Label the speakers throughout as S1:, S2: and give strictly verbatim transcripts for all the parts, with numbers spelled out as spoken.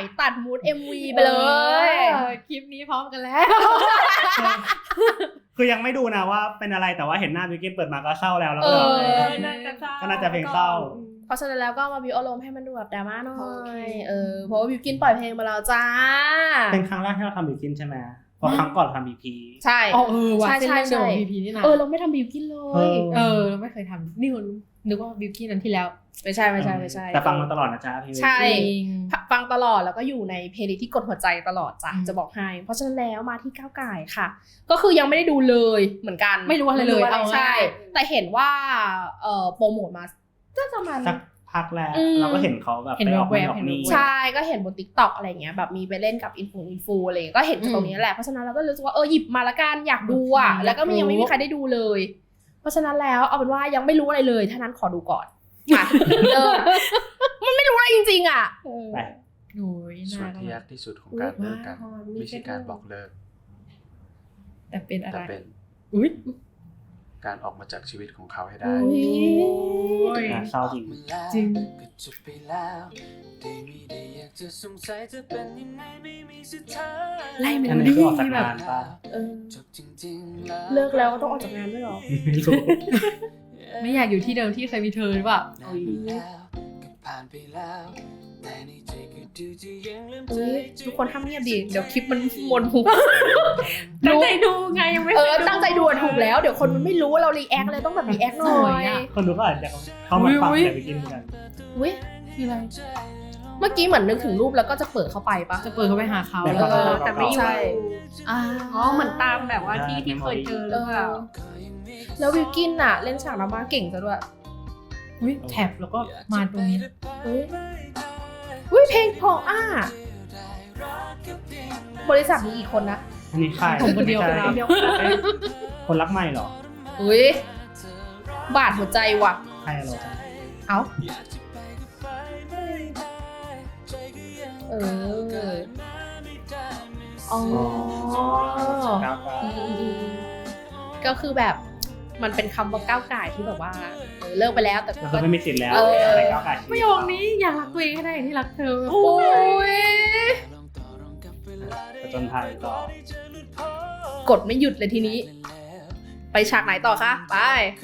S1: ตัดมูด เอ็ม วี ไปเลย
S2: คลิปนี้พร้อมกันแล้ว
S3: คือยังไม่ดูนะว่าเป็นอะไรแต่ว่าเห็นหน้าบิวกิ้นเปิดมาก็เศร้าแล้วแล้ว
S1: เอ
S3: ก็
S1: อ
S3: ก็น่าจะเพลงเศร้า
S1: เพราะฉะนั้นแล้วก็มาบิวอารมณ์ให้มันดูแบบดราม่าหน่อยเออเพราะว่าบิวกินปล่อยเพลงมาแล้วจ้า
S3: เป็นครั้งแรกที่เราทำบิวกิ้นใช่ไหมเพราะครั้งก่อนทำ บี พี
S1: ใช่
S2: อ๋อเออว่ะ
S1: ใช่ใช่ใช่
S2: บี พี นี่นะ
S1: เออเราไม่ทำบิวกินเลย
S2: เออเราไม่เคยทำนี่คนนึกว่าบิวกิ้นนั้นที่แล้ว
S1: ไม่ใช่ไม่ใช่ไม่ใช่
S3: แต่ฟังมาตลอดนะจ๊ะเพลง
S1: ใช่ฟังตลอดแล้วก็อยู่ในเพลย์ลิสต์ที่กดหัวใจตลอดจ้ะจะบอกให้เพราะฉะนั้นแล้วมาที่ก้าวไก่ค่ะก็คือยังไม่ได้ดูเลยเหมือนกัน
S2: ไม่รู้อะไรเลยเอา
S1: ใช่แต่เห็นว่าเอ่อโปรโมทมาจะประมาณ
S3: สักพักแล้วเราก็เห็นเขาแบบไปออกไปออกนี่
S1: ใช่ก็เห็นบน TikTok อะไรเงี้ยแบบมีไปเล่นกับอินฟูอินฟูอะไรก็เห็นจากตรงนี้แหละเพราะฉะนั้นเราก็รู้สึกว่าเออหยิบมาละกันอยากดูอ่ะแล้วก็มียังไม่มีใครได้ดูเลยเพราะฉะนั้นแล้วเอาเป็นว่ายังไม่รู้อะไรเลยถ้านั้นขอดูก่อนเออมันไม่รู้อะไรจริงๆอ่ะ
S3: ไป
S2: โอ้ย
S4: ส่วนที่ยากที่สุดของการเลิกกันไม่ใช่การบอกเลิก
S2: แต่เป็นอะไร
S4: แต่เป็น
S2: อุ๊ย
S4: การออกมาจากชีวิตของเขาให้ได้
S3: เศร้าจริง
S2: จริงไล่เมโลดี้แบบ
S1: เลิกแล้วก็ต้องออกจากงานด้วยหรอ
S2: ไม่อยากอยู่ที่เดิมที่เคยมีเธอหรือเปล่า
S1: ทุกคนห้ามเงียบดิเดี๋ยวคลิปมันมวนหู
S2: ตั้งใจดูไงยังไม่
S1: เออตั้งใจดูถูกแล้วเดี๋ยวคนมันไม่รู้ว่าเรารีแอคเลยต้องแบบรีแอคหน่อย
S3: คนดูก็อาจจะเข้ามาฟังแต่ไปกินกัน
S1: อุ้ยคืออะไรเมื่อกี้เหมือนนึกถึงรูปแล้วก็จะเปิดเข้าไปปะ
S2: จะเปิดเข้าไปหาเขา
S1: แต่ไม่ใช่
S2: อ๋อเหมือนตามแบบว่าที่ที่เคยเจอหรือเปล่า
S1: แล้ววิลกินน่ะเล่นฉากดราม่าเก่งซะด้วย
S2: อุ้ยแท็บแล้วก็มาตรงนี้
S1: อุ้ยอุ้ยเพลงเพราะอ่ะบริษัทมีกี่คนนะ
S3: อันนี้ใคร
S2: ผมคนเดียว
S1: คนเดียว
S3: คนรักใหม่เหรอ
S1: อุ้ยบาดหัวใจว่ะ
S3: ใครเหรอ
S1: เอ้าเอออ๋อก็คือแบบมันเป็นคำว่าก้าวไก่ที่แบบว่าเลิกไปแล้วแต่
S3: ก็ไม่มีสิทธิ์แล้วอะไรก้าวไก่
S2: ประโยคนี้อยากรักตัวเองให้ได้ที่รักเธอ
S1: โอ้ย
S3: จนไทยต่
S1: อกดไม่หยุดเลยทีนี้ไปฉากไหนต่อคะไป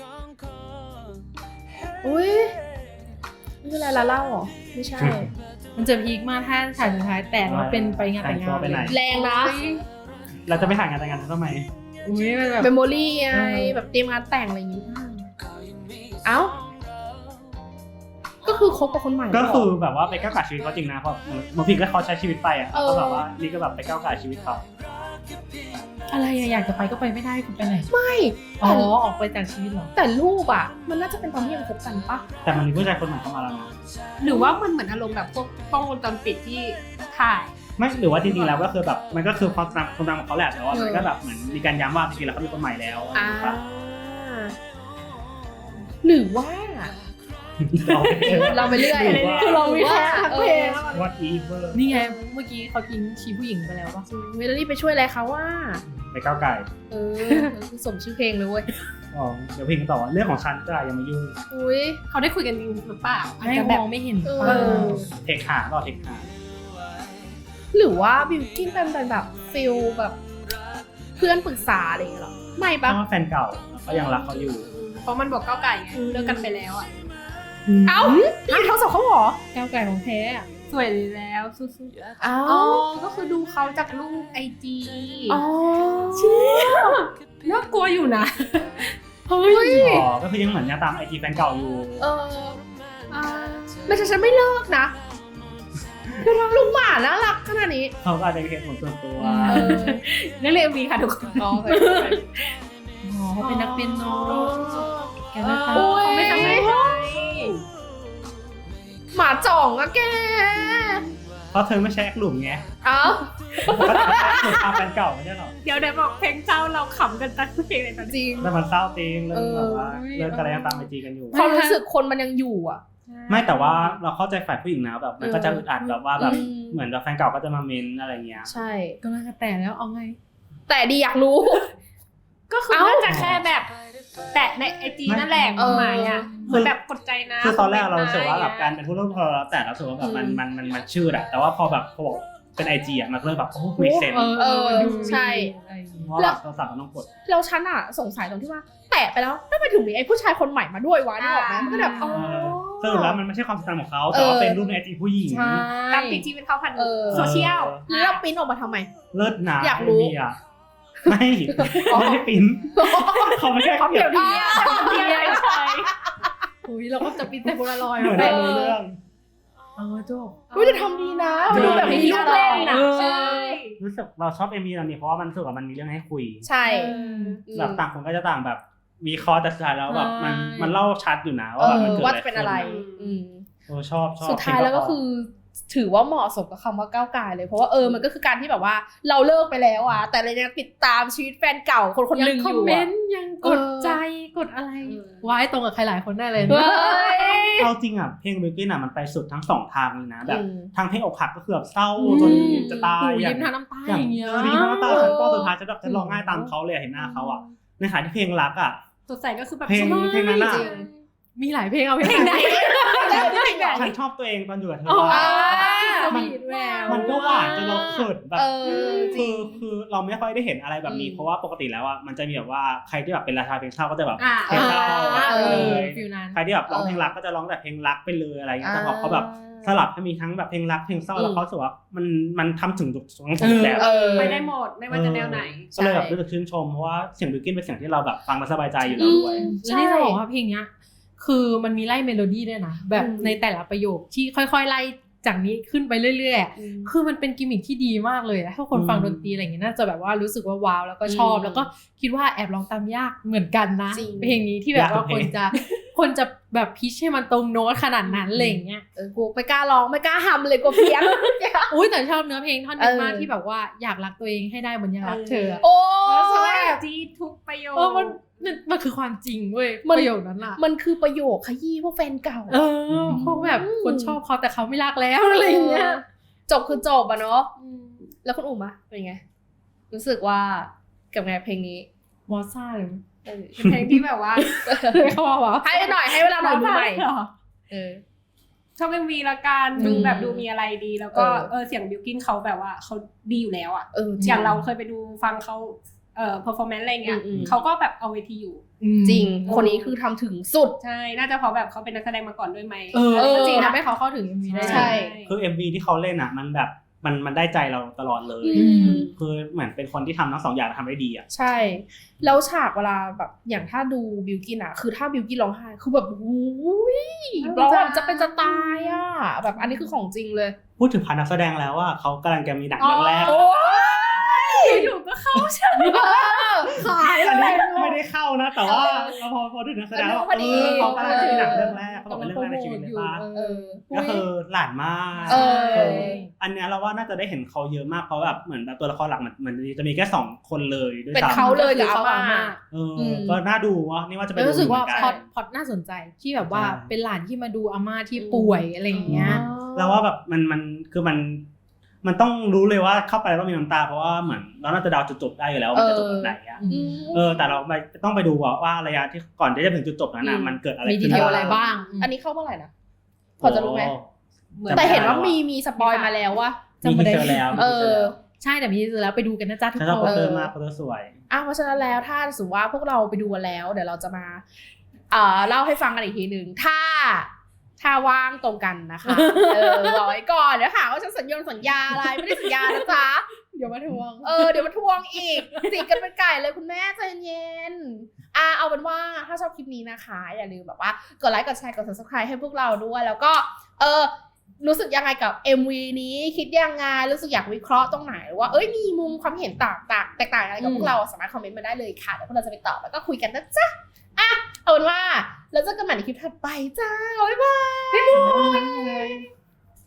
S1: อุ้ยนี่คืออะไรละเล่าหรอไม่ใช่
S2: มันจะพีคมากถ้าฉากสุดท้ายแต่ว่าเป็นไปงานแต่งงาน
S1: แรงนะ
S3: เราจะไปถ่ายงานแต่งงานทำไม
S2: อุ้ยแบบ
S1: เมมโมรี่ไงแบบเตรียมงานแต่งอะไรอย่างงี้เอ้าก็คือคบกับคนใหม่
S3: ก็คือแบบว่าไปก้าวไก่ชีวิตเขาจริงนะเพราะบางทีก็เขาใช้ชีวิตไปอ่ะก็แบบว่านี่ก็แบบไปก้าวไก่ชีวิตเขา
S2: อะไรอยากจะไปก็ไปไม่ได้คุณไปไหน
S1: ไม่
S2: อ๋อออกไปจากชีวิตหรอ
S1: แต่รูปอ่ะมันน่าจะเป็นตอนที่ยังคบกันปะ
S3: แต่มันมีผู้ชายคนใหม่เข้ามาแล้วนะ
S2: หรือว่ามันเหมือนอารมณ์แบบพวกกล้องวงจรปิดที่ถ่าย
S3: ไม่หรือว่าจริงๆแล้วก็คือแบบมันก็คือความตามความตามของเขาแหละแต่ว่ามันก็แบบเหมือนมีการย้ำว่าจริงๆแล้วเขามีคนใหม่แล้ว
S1: หรือว่าเราไปเรื่อย
S2: คือเราวิเคราะห์ทั้งเพลง
S3: What Ever
S2: นี่ไงเมื่อกี้เขาทิ้งชีผู้หญิงไปแล้วป่ะ
S1: เวลานี้ไปช่วยอะไรเขาว่า
S3: ไปก้าวไก่
S1: เออสมชื่อเพลงเลยเว้ย
S3: อ๋อเดี๋ยวเพลงต่อเรื่องของฉันจ้ายังไม่ยุ่ง
S1: อุ้ย
S2: เขาได้คุยกันจริงหรือเปล่าอาจจะแบบไม่เห็น
S1: เออ
S3: เทคหาก็เทคหา
S1: หรือว่าบิวกิ้นเป็นแบบฟิลแบบเพื่อนปรึกษาอะไรอย่างเงี้ยหรอไม่ปะ
S3: เพราะว่าแฟนเก่าเขายังรักเขาอยู่
S2: เพราะมันบอกก้าวไก่ไงเลิกกันไปแล้วอ่ะ
S1: เอ้าพี่เขาสอบเขาหรอ
S2: ก้าวไก่ของแท้สวยแล้วสู้
S1: ๆอ๋อ
S2: ก็คือดูเขาจากรูปไอจี
S1: อ๋อ
S2: เชี่ยน่ากลัวอยู่นะ
S3: เฮ้ยอ๋อก็คือยังเหมือนยังตามไอจีแฟนเก่าอยู่
S1: เออไม่ใช่ฉันไม่เลิกนะคือทำลูกหมาน่ารักขนาดนี้
S3: เขาอาจจะเป็นเหตุผลส่วนตัว
S2: นักเรียนมีค่ะทุกคนอ๋อเขาเป็นนักเปียโนแกน่ารักเขาไม่ทำให้
S1: หมาจ่องอะแก
S3: เพราะเธอไม่ใช่แอคหลุมไง
S1: เอ้า
S3: หลุมตามแฟนเก่าไม่ใช่หรอ
S2: เดี๋ยวเดี๋ยวบอกเพลงเศร้าเราขำกันตั้งเพลงเลยตอน
S1: จริง
S3: แต่มันเศร้าจริงเรื่องแบบว่าเรื่องอะไรยังตามไอจีกันอยู่
S1: ความรู้สึกคนมันยังอยู่อ่ะ
S3: ไม่แต่ว่าเราเข้าใจฝ่ายผู้หญิงนะแบบมันก็จะอึดอัดแบบว่าแบบเหมือนแบบแฟนเก่าก็จะมาเมนอะไรเงี้ย
S1: ใช่
S2: ก็น่าจะแต่แล้วเอาไง
S1: แต่ดีอยากรู้
S2: ก็คือน่าจะแค่แบบแตะในไอจีนั่นแหละความหมายอ่ะเหมือนแบบกดใจนะ
S3: คือตอนแรกเรารู้สึกว่าแบบการเป็นผู้ร่วมพอเราแต่เรารู้สึกว่าแบบมันมันมันมันชื่ออะแต่ว่าพอแบบพอบอกเป็นไอจีอะมันเริ่มแบบโอ้ไม่เซน
S1: เออใช่
S3: เพราะแบบเราสั่งต้องกด
S1: เราฉันอะสงสัยตรงที่ว่าแตะไปแล้วทำไมถึงมีไอ้ผู้ชายคนใหม่มาด้วยวะนึกออกไหมมันก็แบบอ๋อ
S3: สรุปแล้วมันไม่ใช่ความสัมพันธ์ของเขาแต่ว่าเป็นรูปในไอจีผู้หญิง
S1: ใช่
S2: ตามจริงๆเป็นเขาผ่าน
S1: เออ
S2: โซเชียล
S1: แล้วเราปริ้นออกมาทำไม
S3: เลิศหนา
S1: อยากรู้
S3: มีอะไม่ไม่ได้ปิ้นเขาไม่ใช่
S1: เขาเดี๋ยวนี้
S2: เที่ยวใช่
S1: อุ้ยเราก็จะปริ้นแต่โพลารอยด์
S3: เหมือนในเรื่อง
S2: เออจบ
S1: อุ้ยจะทำดีนะมันดูแบบมีลูกเล่นนะ
S2: ใช่
S3: รู้สึกเราชอบเอ็มวีตอนนี้เพราะว่ามันรู้สึกว่ามันมีเรื่องให้คุย
S1: ใช่
S3: แบบต่างคนก็จะต่างแบบมีคอแต่สุดท้ายแล้วแบบมัน
S2: ใช่
S3: มันเล่าชัดอยู่นะ
S1: เอ
S3: ว่าแบบ
S1: อ
S3: มันเกิด
S1: ว่า
S3: อะไร
S1: จะเป็นอะไร
S3: ขึ้น
S1: อืม
S3: เออชอบชอบ
S1: สุดท้ายแล้วก็คือถือว่าเหมาะสมกับคำว่าก้าวไกลเลยเพราะว่าเออมันก็คือการที่แบบว่าเราเลิกไปแล้วอะแต่เรายังติดตามชีวิตแฟนเก่าคนคนหนึ่ง
S2: ค
S1: อ
S2: อม
S1: ยู่
S2: เม
S1: อะ
S2: นต์ยังกดใจกดอะไรไว้ตรงกับใครหลายคนได้เลย
S1: เฮ้ย
S3: เอาจริงอ่ะเพลงบิวกิ้นอ่ะมันไปสุดทั้งสองทางเลยนะแบบ
S1: อืม
S3: ทางเพลงอกหักก็คือแบบเศร้าจนจะตาย
S2: หู
S3: อย่า
S2: ยิ้
S3: ง
S2: มทางน้ำตา
S3: อย่า
S2: อง ย่างเงี้ย
S3: เออดีมากตาฉันตอนสุดท้ายจะแบบจะร้องไห้ตามเขาเลยเห็นหน้าเขาอ่ะในขณะที่เพลงรักอ่ะ
S2: สดใสก็คือแบบ
S3: เพลงเพลงนั้นอะ
S2: จริงมีหลายเพลงเอาเพลงไหน
S3: ฉันชอบตัวเองตอนอยู่กับเธอ
S2: อ๋อ
S3: อะ
S2: ส
S3: มัน
S2: วีทแวว
S3: มันก็หวานจนเราเขินแบบ
S1: เออจ
S3: คื
S1: ริ
S3: อง คือเราไม่ค่อยได้เห็นอะไรแบบนี้
S1: อืม
S3: เพราะว่าปกติแล้วอ่ะมันจะมีแบบว่าใครที่แบบเป็นราชาเพลงเศร้าก็จะแบบ
S2: อ่า
S3: เพลงเศร้า
S1: เออ
S3: เลย
S2: ฟิลนั้น
S3: ใครที่แบบร้องเพลงรักก็จะร้องแต่เพลงรักไปเลยอะไรเงี้ยแต่พอเขาแบบสลับให้มีทั้งแบบเพลงรักเพลงเศร้าแล้วเขารู้สึกว่ามันมันทำถึงทุกทุกแบบ
S1: เออ
S2: ไม่ได้หมดไม่ว่าจะแนวไหน
S3: ก็เลยแบบรู้สึกชื่นชมเพราะว่าเสียงบิวกิ้นเป็นเสียงที่เราแบบฟังแล้วสบายใจอยู่แล้วด้วย
S2: แล้วนี่จะบอกว่าเพลงเนี้ยคือมันมีไล่เมโลดี้ด้วยนะแบบในแต่ละประโยคที่ค่อยๆไล่จากนี้ขึ้นไปเรื่อยๆคือมันเป็นกิมมิคที่ดีมากเลยถ้าคนฟังดนตรีอะไรอย่างเงี้ยน่าจะแบบว่ารู้สึกว่าว้าวแล้วก็ชอบแล้วก็คิดว่าแอบร้องตามยากเหมือนกันนะ
S1: จริง
S2: เพลงนี้ที่แบบว่าคนจะคนจะแบบพิชให้มันตรงโน้ตขนาดนั้นอะไรอย่างเงี้ย
S1: เออกูไม่กล้าร้องไม่กล้าฮัมเลยกลัวเพี้ยน
S2: อุ้ยแต่ชอบเนื้อเพลงท่อนนี้มาก
S1: เออ
S2: ที่แบบว่าอยากรักตัวเองให้ได้เหมือนยังรักเธออะ
S1: โอ้
S2: ใช่
S1: ย
S2: จีทุกประโยคเออมันมันมันคือความจริงเว้ย
S1: มัน
S2: ประโยคนั้นอะ
S1: มันคือประโยคขยี้พวกแฟนเก่า
S2: เออพวกแบบคนชอบเขาแต่เขาไม่รักแล้วอะไรอย่างเงี้ย
S1: จบคือจบอะเนาะแล้วคุณอุ๋มอะเป็นไง รู้สึกว่ากับไงเพลงนี้
S2: มอซ่าเลย
S1: เออ
S2: เป็นเพลงที่แบบว่าเขาบอกว่า
S1: ให้หน่อยให้เวลาหน่อยดูใหม่เออ
S2: ชอบเอ็มวีละกันดู
S1: อืม
S2: แบบดูมีอะไรดีแล้วก็
S1: เออ
S2: เออเสียงบิวกินเขาแบบว่าเขาดีอยู่แล้วอ่ะ
S1: เออ
S2: อย่างเราเคยไปดูฟังเขาเอ่อ performance อะไรเงี้ย
S1: อืมอืม
S2: เขาก็แบบเอาเวทีอยู่
S1: จริง คนนี้คือทำถึงสุด
S2: ใช่น่าจะเพราะแบบเขาเป็นนักแสดงมาก่อนด้วยไหม
S1: เออ
S2: จริงทำให้เขาเข้าถึง เอ็ม วี ได้
S1: ใช่
S3: คือ เอ็ม วี ที่เขาเล่นอ่ะมันแบบมันมันได้ใจเราตลอดเลย
S1: อืม
S3: คือเหมือนเป็นคนที่ทำทั้งสองอย่างทำได้ดีอ่ะ
S1: ใช่ แล้วฉากเวลาแบบอย่างถ้าดูบิวกินอะคือถ้าบิวกินร้องไห้คือแบบโอ้ยร้องแบบจะเป็นจะตายอะแบบอันนี้คือของจริงเลย
S3: พูดถึงพานักแสดงแล้วว่าเขากำลังจะมีหนังเรื่องแรก
S1: โอ้ย
S2: อยู่ๆก็เข้าใช่
S1: ขาย
S3: อัน
S1: เล
S3: นี้
S1: ย
S3: ไม่ได้เข้านะ แต่ว่าเราพอพอถึงนักแสดงแล้ว
S1: พอดี
S3: เออเขากำลังจะมีหนังเรื่องแรกเขาบอกเป็นเรื่องแรกในชีวิตเลยป่ะ
S1: เออ
S3: ก็คือหลานมาก
S1: เออ
S3: เอออันเนี้ยเราว่าน่าจะได้เห็นเขาเยอะมากเพราะแบบเหมือนแบบตัวละครหลักมันมันจะมีแค่สองคนเลยด้วย
S1: เป็น
S3: ซ้ำ
S1: เขาเลยกับอาม่า
S3: เอออก็น่าดูว่านี่ว่าจะไป
S2: แล้ว
S3: ดู
S2: รู้สึก
S3: เหมื
S2: ว่า
S3: อนกัน
S2: พอดพอดน่าสนใจที่แบบว่า
S3: ใช่
S2: เป็นหลานที่มาดูอาม่าที่ป่วยอะไรอย่างเงี้ย
S3: เราว่าแบบมันมันคือมันมันต้องรู้เลยว่าเข้าไปแล้วต้องมีน้ำตาเพราะว่าเหมือนเราน่าจะเดาจุดจบได้อยู่แล้วว่ามันจะจบแบบไหนอ่ะ
S1: อืม
S3: เออแต่เราไปต้องไปดูว่าว่าระยะที่ก่อนที่จะถึงจุดจบนั้นน่ะ
S1: อืม
S3: มันเกิดอะไร
S2: มีดี
S3: ขึ้น
S2: เทลอะไรบ้าง
S1: อันนี้เข้าเมื่อไหร่นะพอจะรู้ไหม
S3: โอ้
S1: แต่เห็นว่ามีมีสปอยมาแล้วว่า
S3: มีทีเซอร์แล้ว
S1: เออ
S2: ใช่แต่มีทีเซอร์แล้วไปดูกันนะจ๊ะทุก
S3: ฉันชอบ
S2: ค
S3: โป
S2: น
S3: สเตอร์มากโปสเตอร์สวย
S1: อ่ะเพราะฉะนั้นแล้วถ้าสมมติว่าพวกเราไปดูกันแล้วเดี๋ยวเราจะมาเอ่อเล่าให้ฟังกันอีกทีหนึ่งถ้าถ้าว่างตรงกันนะคะเออบอกไว้ก่อนเดี๋ยวหาว่าฉันสัญญาสัญญาอะไรไม่ได้สัญญานะจ๊ะ
S2: เดี๋ยวมาทวง
S1: เออเดี๋ยวมาทวงอีกจิกกันเป็นไก่เลยคุณแม่ใจเย็นอ่ะเอาเป็นว่าถ้าชอบคลิปนี้นะคะอย่าลืมแบบว่ากดไลค์กดแชร์กด ซับสไครบ์ ให้พวกเราด้วยแล้วก็เออรู้สึกยังไงกับ เอ็ม วี นี้คิดยังไงรู้สึกอยากวิเคราะห์ตรงไหนหรือว่าเอ้ยมีมุมความเห็นต่างต่างแตกต่างอะไรกับพวกเราสามารถคอมเมนต์มาได้เลยค่ะเดี๋ยวพวกเราจะไปตอบแล้วก็คุยกันนะจ๊ะอ่ะเอาเป็นว่าแล้วเจอกันใหม่ในคลิปถัดไปจ้าบ๊ายบาย